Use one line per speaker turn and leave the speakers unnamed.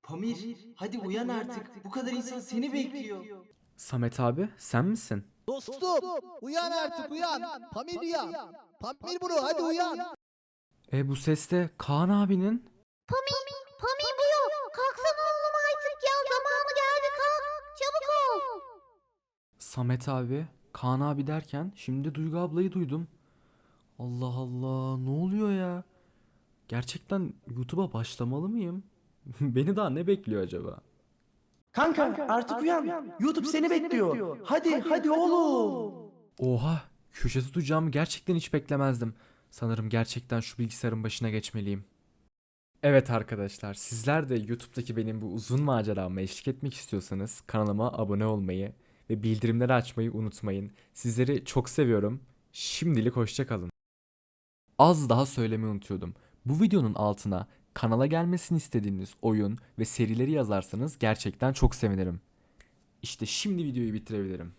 Pamir, hadi uyan artık. Bu kadar insan seni bekliyor.
Samet abi sen misin?
Dostum uyan artık uyan. Pamir uyan. Pamir bro hadi uyan.
Bu ses de Kaan abinin.
Pami bu yok. Kalksana oğlum artık ya. Zamanı geldi kalk. Çabuk ol.
Samet abi, Kaan abi derken şimdi Duygu ablayı duydum. Allah Allah, ne oluyor ya? Gerçekten YouTube'a başlamalı mıyım? Beni daha ne bekliyor acaba?
Kanka, artık uyan. YouTube seni bekliyor. Hadi oğlum.
Oha, köşe tutacağımı gerçekten hiç beklemezdim. Sanırım gerçekten şu bilgisayarın başına geçmeliyim. Evet arkadaşlar, sizler de YouTube'daki benim bu uzun macerama eşlik etmek istiyorsanız kanalıma abone olmayı ve bildirimleri açmayı unutmayın. Sizleri çok seviyorum. Şimdilik hoşça kalın. Az daha söylemeyi unutuyordum. Bu videonun altına kanala gelmesini istediğiniz oyun ve serileri yazarsanız gerçekten çok sevinirim. İşte şimdi videoyu bitirebilirim.